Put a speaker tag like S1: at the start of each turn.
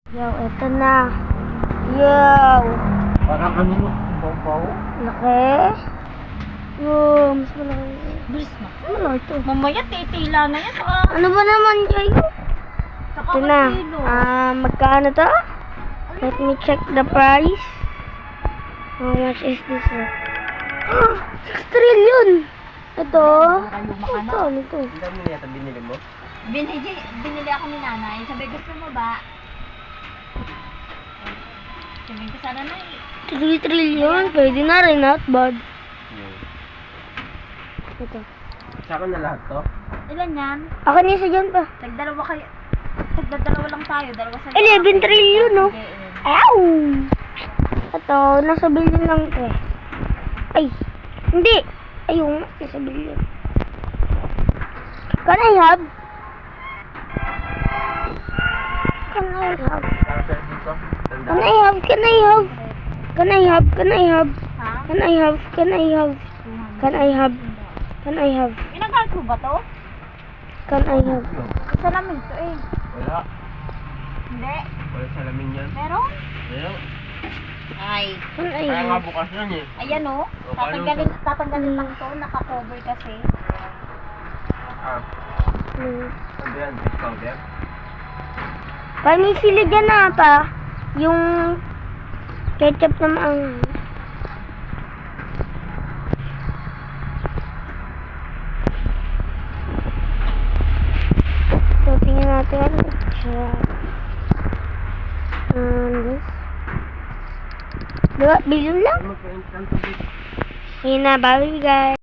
S1: Yo, eto na. Yo!
S2: Parang kanino? Baw-baw?
S1: Laki. Yo, mas malaki.
S3: Bilis na.
S1: Malaki to.
S3: Mamaya titila na yan.
S1: Ano ba naman kayo?
S3: Saka
S1: Ito na.
S3: kilo.
S1: Magkano to? Let me check the price. How much is this? 6 trillion! Ito. Ito, ito.
S2: Ang dami na yata binili mo?
S3: Binili ako ni nanay. Sabi, gusto mo ba? Sabi ko sana na
S1: 3 trillion. Pwede na rin, not bad. Ito.
S2: Sa akin na lahat to?
S3: Ilan yan?
S1: Ako niya sa dyan pa.
S3: Tagdalawa kayo. Tagdalawa lang tayo. Dalawa sa
S1: 11 trillion, no?
S3: Hindi,
S1: Ow! Ito, nasa billion lang ito eh. Ay, hindi. Ayun, nasa billion. Can I have? Can I have?
S2: Para sa dito?
S1: Can I have? Can I have? Can I have? Can I have?
S3: Ha?
S1: Can I have? Can I have? Can I have? Can I have?
S3: Inagal ko ba to?
S1: Can I have?
S3: Salamin to eh.
S2: Wala.
S3: Hindi.
S2: Wala salamin yan.
S3: Meron?
S2: Meron.
S3: Ay.
S1: Can I
S2: Kaya nga
S1: have?
S2: bukas yan eh.
S3: Ayan o. Tatanggalin lang to. Naka-cover kasi.
S2: Ah, ano yan? Discount yan?
S1: Panisili dyan na pa. Yung ketchup na maang. So, tingnan natin. This. Diba? Billion lang?
S2: Magpa-instant to.
S1: Ayun na, bye guys.